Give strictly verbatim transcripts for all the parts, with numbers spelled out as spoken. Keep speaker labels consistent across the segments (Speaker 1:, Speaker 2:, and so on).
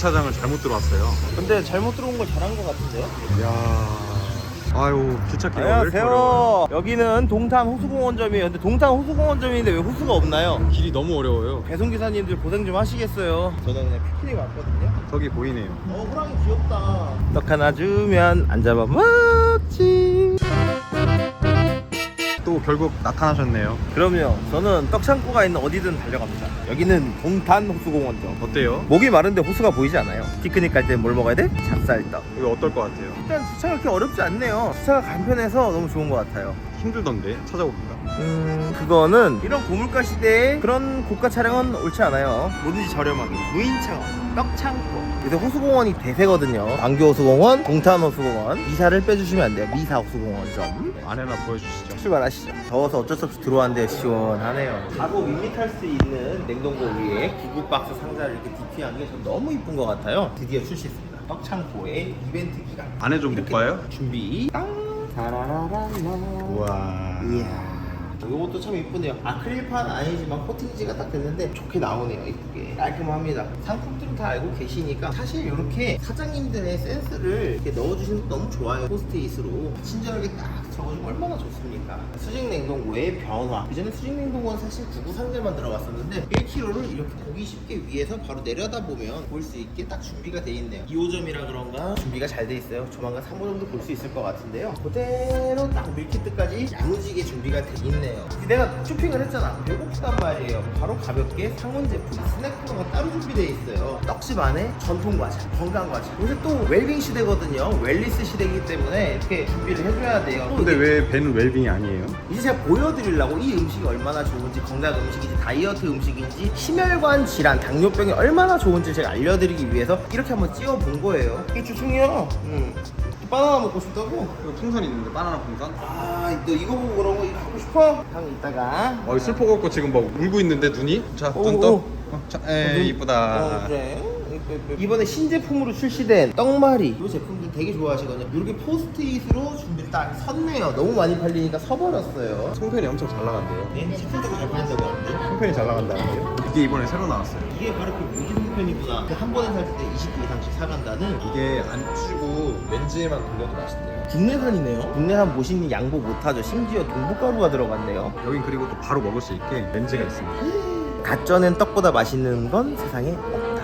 Speaker 1: 주차장을 잘못 들어왔어요.
Speaker 2: 근데 잘못 들어온 걸 잘한 것 같은데요?
Speaker 1: 이야. 아유, 주차기가 왜 이렇게
Speaker 2: 안녕하세요.
Speaker 1: 어려워요?
Speaker 2: 여기는 동탄 호수공원점이에요. 근데 동탄 호수공원점인데 왜 호수가 없나요?
Speaker 1: 길이 너무 어려워요.
Speaker 2: 배송기사님들 고생 좀 하시겠어요. 저는 그냥 피크닉 왔거든요.
Speaker 1: 저기 보이네요.
Speaker 2: 어, 호랑이 귀엽다. 떡 하나 주면 안 잡아먹지.
Speaker 1: 또 결국 나타나셨네요.
Speaker 2: 그럼요. 저는 떡창고가 있는 어디든 달려갑니다. 여기는 동탄 호수공원점.
Speaker 1: 어때요?
Speaker 2: 목이 마른데 호수가 보이지 않아요. 피크닉 갈 때 뭘 먹어야 돼? 찹쌀떡.
Speaker 1: 이거 어떨 것 같아요?
Speaker 2: 일단 주차가 그렇게 어렵지 않네요. 주차가 간편해서 너무 좋은 것 같아요.
Speaker 1: 힘들던데 찾아봅니다.
Speaker 2: 음... 그거는 이런 고물가 시대에 그런 고가 차량은 옳지 않아요. 뭐든지 저렴하게 무인창업, 떡창고. 요새 호수공원이 대세거든요. 광교 호수공원, 동탄 호수공원. 미사를 빼주시면 안 돼요. 미사 호수공원점.
Speaker 1: 안에나 보여주시죠.
Speaker 2: 출발하시죠. 더워서 어쩔 수 없이 들어왔는데 시원하네요. 가구 밋밋할 수 있는 냉동고 위에 구구 박스 상자를 이렇게 디피한 게 전 너무 이쁜 것 같아요. 드디어 출시했습니다. 떡창고의 이벤트 기간.
Speaker 1: 안에 좀 못 봐요?
Speaker 2: 준비. 땅. 타라라라라.
Speaker 1: 우와.
Speaker 2: 이야. 이것도 참 이쁘네요. 아크릴판 아니지만 코팅지가 딱 됐는데 좋게 나오네요. 이쁘게 깔끔합니다. 상품들은 다 알고 계시니까 사실 이렇게 사장님들의 센스를 이렇게 넣어주시는 거 너무 좋아요. 포스트잇으로 친절하게 딱 적어주면 얼마나 좋습니까? 수직 냉동고의 변화. 그전에 수직 냉동고는 사실 구구 상자만 들어갔었는데 일 킬로그램를 이렇게 보기 쉽게 위에서 바로 내려다보면 볼 수 있게 딱 준비가 돼 있네요. 이 호점이라 그런가 준비가 잘 돼 있어요. 조만간 삼 호 정도 볼 수 있을 것 같은데요. 그대로 딱 밀키트까지 야무지게 준비가 돼 있네요. 내가 쇼핑을 했잖아. 배고프단 말이에요. 바로 가볍게 상온 제품, 스낵 코너가 따로 준비되어 있어요. 떡집 안에 전통 과자, 건강 과자. 요새 또 웰빙 시대거든요. 웰리스 시대이기 때문에 이렇게 준비를 해줘야 돼요.
Speaker 1: 근데 왜 배는 웰빙이 아니에요?
Speaker 2: 이제 제가 보여드리려고 이 음식이 얼마나 좋은지, 건강 음식인지, 다이어트 음식인지, 심혈관 질환, 당뇨병이 얼마나 좋은지 제가 알려드리기 위해서 이렇게 한번 찌워본 거예요. 이게 주충이야. 응. 바나나 먹고 싶다고?
Speaker 1: 이거 풍선 있는데 바나나 풍선?
Speaker 2: 아, 너 이거 보고 그런 거 이거 하고 싶어? 형 이따가.
Speaker 1: 어, 슬퍼 갖고 지금 막 울고 있는데 눈이? 자,
Speaker 2: 오,
Speaker 1: 눈
Speaker 2: 오.
Speaker 1: 떠. 어, 자, 에이,
Speaker 2: 어,
Speaker 1: 이쁘다.
Speaker 2: 그래. 이번에 신제품으로 출시된 떡말이 이 제품들 되게 좋아하시거든요. 이렇게 포스트잇으로 준비를 딱 섰네요. 너무 많이 팔리니까 서버렸어요.
Speaker 1: 송편이 엄청 잘 나간대요.
Speaker 2: 네, 식품도 잘 팔린다고 하는데.
Speaker 1: 송편이 잘 나간다는데요? 이게 이번에 새로 나왔어요.
Speaker 2: 이게 바로 그 무기 송편이구나. 한 번에 살 때 이십 개 이상씩 사간다는.
Speaker 1: 이게 안 치고 렌즈에만 돌려도 맛있대요.
Speaker 2: 국내산이네요. 국내산 모시는 양보 못하죠. 심지어 동북가루가 들어갔네요.
Speaker 1: 여긴 그리고 또 바로 먹을 수 있게 렌즈가 있습니다.
Speaker 2: 갓 쪄낸 떡보다 맛있는 건 세상에 없다.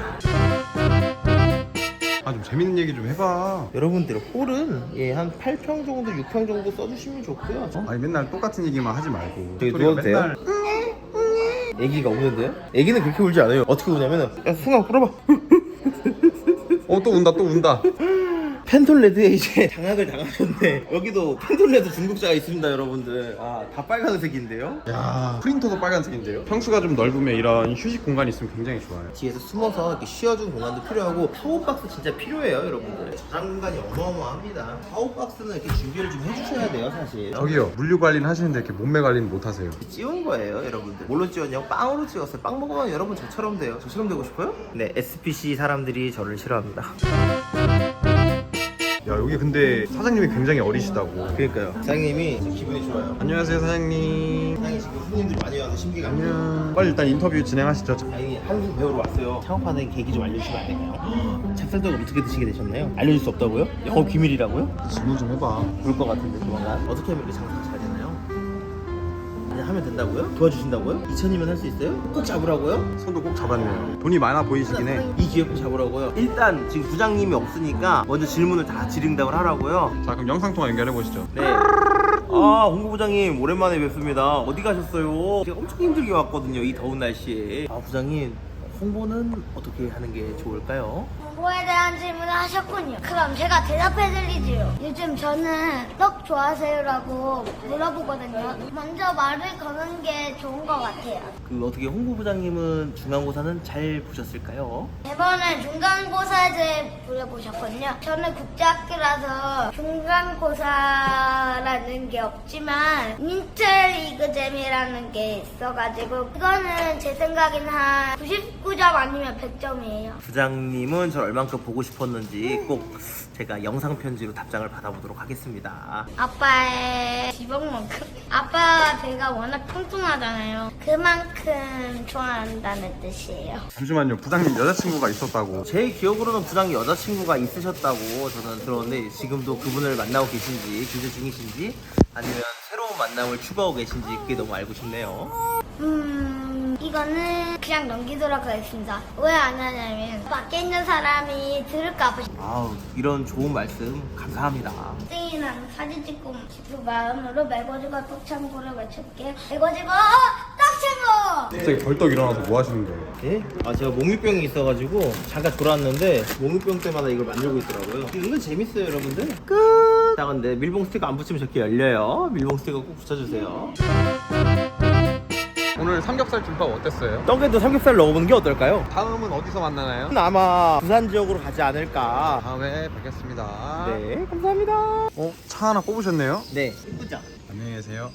Speaker 1: 아, 좀 재밌는 얘기 좀 해봐.
Speaker 2: 여러분들 홀은 예, 한 팔 평 정도, 육 평 정도 써주시면 좋고요. 어?
Speaker 1: 아니 맨날 똑같은 얘기만 하지 말고.
Speaker 2: 저기
Speaker 1: 소리가
Speaker 2: 누워도 돼요? 애기가 우는데요? 애기는 그렇게 울지 않아요. 어떻게 우냐면은 야 승아 끌어봐.
Speaker 1: 어, 또 운다 또 운다.
Speaker 2: 펜톨레드에 이제 장악을 당하셨네. 여기도 펜톨레드 중국자가 있습니다, 여러분들. 아, 다 빨간색인데요?
Speaker 1: 야, 프린터도 빨간색인데요? 평수가 좀 넓으면 이런 휴식 공간이 있으면 굉장히 좋아요.
Speaker 2: 뒤에서 숨어서 이렇게 쉬어주는 공간도 필요하고 파워박스 진짜 필요해요, 여러분들. 저장 공간이 어마어마합니다. 파워박스는 이렇게 준비를 좀 해주셔야 돼요, 사실.
Speaker 1: 저기요, 물류 관리는 하시는데 이렇게 몸매 관리는 못 하세요.
Speaker 2: 찌운 거예요, 여러분들. 뭘로 찌웠냐고? 빵으로 찌웠어요. 빵 먹으면 여러분 저처럼 돼요. 저처럼 되고 싶어요? 네, 에스피씨 사람들이 저를 싫어합니다.
Speaker 1: 야, 여기 근데 사장님이 굉장히 어리시다고.
Speaker 2: 그러니까요. 사장님이 지금 기분이 좋아요.
Speaker 1: 안녕하세요, 사장님.
Speaker 2: 사장님 지금 손님들이 많이 와서 신기감.
Speaker 1: 안녕. 빨리 일단 인터뷰 진행하시죠.
Speaker 2: 아니, 한국 배우러 왔어요. 창업하는 계기 좀 알려주시면 안 될까요? 찹쌀떡을 어떻게 드시게 되셨나요? 알려줄 수 없다고요? 영업 비밀이라고요?
Speaker 1: 질문 좀 해봐.
Speaker 2: 볼 것 같은데 조만간. 어떻게 하면 이렇게 장사가 잘 되나요? 그냥 하면 된다고요? 도와주신다고요? 이천이면 할 수 있어요? 꼭 잡으라고요?
Speaker 1: 손도 꼭 잡았네요. 돈이 많아 보이시긴 해.
Speaker 2: 이 기회 꼭 잡으라고요? 일단 지금 부장님이 없으니까 먼저 질문을 다 질응답을 하라고요.
Speaker 1: 자, 그럼 영상통화 연결해 보시죠.
Speaker 2: 네. 아, 홍보부장님 오랜만에 뵙습니다. 어디 가셨어요? 제가 엄청 힘들게 왔거든요, 이 더운 날씨에. 아, 부장님 홍보는 어떻게 하는 게 좋을까요?
Speaker 3: 홍보에 대한 질문을 하셨군요. 그럼 제가 대답해드리지요. 요즘 저는 떡 좋아하세요라고 물어보거든요. 먼저 말을 거는 게 좋은 것 같아요.
Speaker 2: 그 어떻게 홍보부장님은 중간고사는 잘 보셨을까요?
Speaker 3: 이번에 중간고사에 대해 물어보셨거든요. 저는 국제학교라서 중간고사라는 게 없지만 인텔리그잼이라는 게 있어가지고 그거는 제 생각에는 한 구십구 점 아니면 백 점이에요.
Speaker 2: 부장님은 저 얼만큼 보고 싶었는지 꼭 제가 영상 편지로 답장을 받아보도록 하겠습니다.
Speaker 3: 아빠의 지방만큼 아빠 배가 워낙 통통하잖아요. 그만큼 좋아한다는 뜻이에요.
Speaker 1: 잠시만요. 부장님 여자친구가 있었다고.
Speaker 2: 제 기억으로는 부장님 여자친구가 있으셨다고 저는 들었는데 지금도 그분을 만나고 계신지 교제 중이신지 아니면 새로운 만남을 추구하고 계신지 그게 너무 알고 싶네요.
Speaker 3: 음 이거는 그냥 넘기도록 하겠습니다. 왜 안 하냐면 밖에 있는 사람이 들을까 봐.
Speaker 2: 아우 이런 좋은 말씀 감사합니다.
Speaker 3: 땡이랑 사진 찍고 싶은 마음으로 매거지가 떡창고를 외쳐볼게요. 매거지가 떡창고!
Speaker 1: 갑자기 벌떡 일어나서 뭐 하시는 거예요?
Speaker 2: 예? 아 제가 몽유병이 있어가지고 잠깐 졸았는데 몽유병 때마다 이걸 만들고 있더라고요. 은근 재밌어요 여러분들. 끝! 자 근데 밀봉 스티커 안 붙이면 저렇게 열려요. 밀봉 스티커 꼭 붙여주세요.
Speaker 1: 오늘 삼겹살 김밥 어땠어요?
Speaker 2: 떡에도 삼겹살 넣어보는 게 어떨까요?
Speaker 1: 다음은 어디서 만나나요?
Speaker 2: 아마 부산 지역으로 가지 않을까.
Speaker 1: 다음에 뵙겠습니다.
Speaker 2: 네 감사합니다.
Speaker 1: 어? 차 하나 뽑으셨네요?
Speaker 2: 네 이쁘죠?
Speaker 1: 안녕히 계세요.